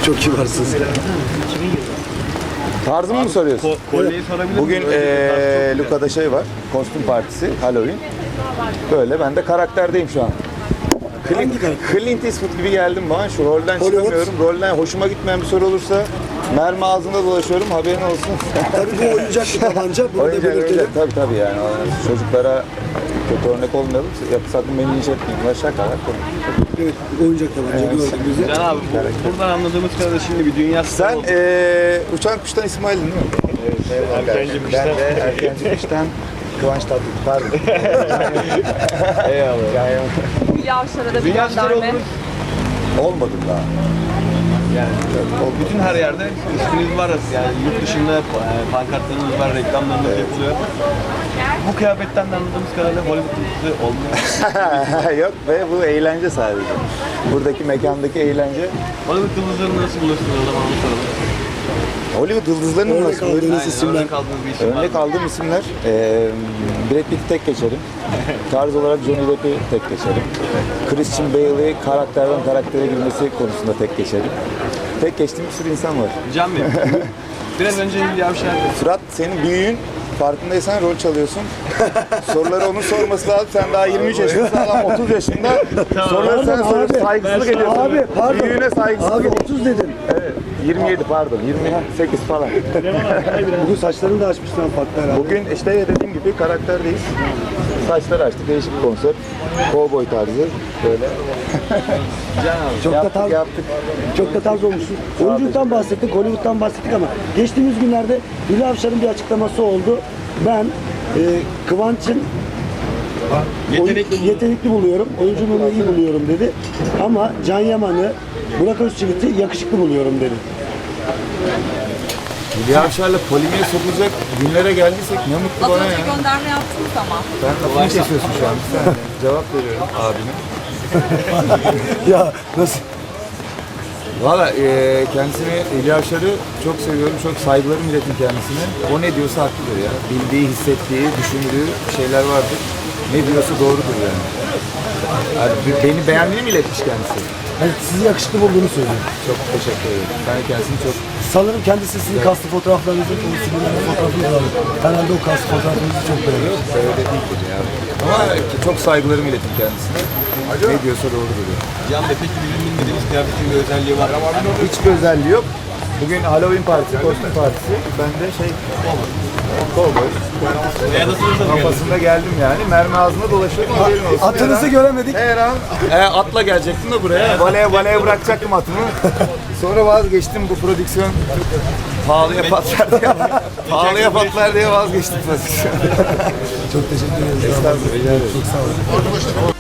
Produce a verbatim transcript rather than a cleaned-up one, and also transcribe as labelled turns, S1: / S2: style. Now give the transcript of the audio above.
S1: Çok kibarsınız.
S2: Tarzımı mı soruyorsun?
S3: Kolyeyi sorabilir miyim?
S2: Bugün eee Luca'da şey var, kostüm partisi, Halloween. Böyle, ben de karakterdeyim şu an. Clint, Clint Eastwood gibi geldim bana, şu rolden
S1: Hollywood.
S2: çıkamıyorum. Rolden hoşuma gitmeyen bir soru olursa mermi ağzında dolaşıyorum, haberin olsun.
S1: Tabii bu oyuncak bir tabanca. Bunu da
S2: Oyuncak,
S1: belirtelim.
S2: oyuncak, tabii tabii yani. Çocuklara kötü örnek olmayalım, sakın beni linç etmeyin. Bunlar şakalar komik.
S1: Evet, oyuncak tabanca gördük bizi.
S3: Can abi bu- buradan anladığımız kadarıyla şimdi bir dünya starı
S2: Sen
S3: oldu.
S2: eee uçan kuştan İsmail'in değil mi?
S3: Erkenci
S2: Ben
S3: kuştan.
S2: de erkenci kuştan Kıvanç Tatlıtuğ. Pardon.
S3: Eyvallah.
S2: Yani
S4: Hülya Avşar'a da bir
S3: Dünya starı
S4: gönderme.
S3: oldunuz.
S2: olmadım daha.
S3: Yani o bütün her yerde isminiz var. Yani yurt dışında e, pankartlarınız var, reklamlarınız yapılıyor. Bu kıyafetten de anladığımız kadarıyla Hollywood yıldızı olmuyor.
S2: Yok be, bu eğlence sadece. Buradaki mekandaki eğlence.
S3: Hollywood yıldızlarını nasıl buluyorsunuz o zaman onu soralım.
S2: Hollywood yıldızlarının
S1: Örnek
S2: nasıl?
S1: aldığınız
S3: Aynen,
S1: isimler.
S3: örnek aldığınız bir isim var.
S2: Örnek aldığım isimler, eee Brad Pitt'i tek geçerim. Tarz olarak Johnny Depp'i tek geçerim. Christian Bale'i karakterden karaktere girmesi konusunda tek geçerim. Tek geçtiğim bir sürü insan var.
S3: Can Bey, biraz önce Hülya Avşar
S2: Fırat, senin büyüğün, farkındaysan rol çalıyorsun. Soruları onun sorması lazım. Sen daha yirmi üç yaşındasın, adam otuz yaşında. Soruları sen
S1: Pardon
S2: soruyorsun,
S1: abi.
S2: saygısızlık ediyorsun.
S1: Abi pardon.
S2: Büyüğüne saygısızlık
S1: Abi
S2: ediyorsun.
S1: otuz dedin.
S2: Evet, yirmi yedi pardon, yirmi sekiz falan.
S1: Bugün saçlarını da açmışlar farklı herhalde.
S2: Bugün işte dediğim gibi karakterdeyiz. Saçları açtık, değişik bir konsept. Cowboy tarzı, böyle.
S3: Can abi.
S1: Çok da
S2: Yaptık,
S1: tarz,
S2: yaptık.
S1: çok da tarz olmuşsun. Oyunculuktan bahsettik, Hollywood'dan bahsettik ama geçtiğimiz günlerde Hülya Avşar'ın bir açıklaması oldu. Ben e, Kıvanç'ın
S3: Yetenekli
S1: oyun- yetenekli buluyorum, oyunculuğunu iyi buluyorum dedi. Ama Can Yaman'ı, Burak Özçivit'i yakışıklı buluyorum dedi.
S2: Hülya Avşar'la polimiğe sokulacak günlere geldiysek ne mutlu
S4: Az
S2: bana
S4: önce
S2: ya.
S4: gönderme yaptınız ama.
S2: Ben lafını kesiyorsun şu an. Bir saniye. Cevap veriyorum abime.
S1: Ya nasıl?
S2: Valla e, kendisini, Hülya Avşar'ı çok seviyorum, çok saygılarım iletin kendisine. O ne diyorsa haklıdır ya. Bildiği, hissettiği, düşündüğü şeyler vardır. Ne diyorsa doğrudur yani. Yani be- beni beğendiğini mi iletmiş kendisi?
S1: Yani sizi yakışıklı bulduğunu söylüyor.
S2: Çok teşekkür ederim. Ben kendisini çok...
S1: Sanırım kendisi sizin kaslı fotoğraflarınızı, kendisi fotoğrafınızı aldı. Herhalde o kaslı fotoğrafınızı çok beğeniyor.
S2: Böyle değildir ya. Ama çok saygılarımı iletin kendisine. Ne diyorsa doğrudur yani.
S3: Can Bey peki bizim bilmediğimiz kıyafetin bir özelliği var mı?
S2: Hiçbir özelliği yok. Bugün Halloween partisi, kostüm partisi. Ben de şey... Cowboy.
S3: Ya nasıl hızlı
S2: Kafasında geldim yani. Mermi ağzına dolaşıyorum. Haberin olsun.
S1: Atınızı
S2: Her an-
S1: göremedik.
S2: Her an e, atla gelecektim de buraya. Valeye valeye bırakacaktım atımı. Sonra vazgeçtim, bu prodüksiyon pahalıya patlar diye. Pahalıya patlar diye vazgeçtim prodüksiyon.
S1: Çok teşekkür ederiz.
S2: Estağfurullah.
S1: Çok sağ olun.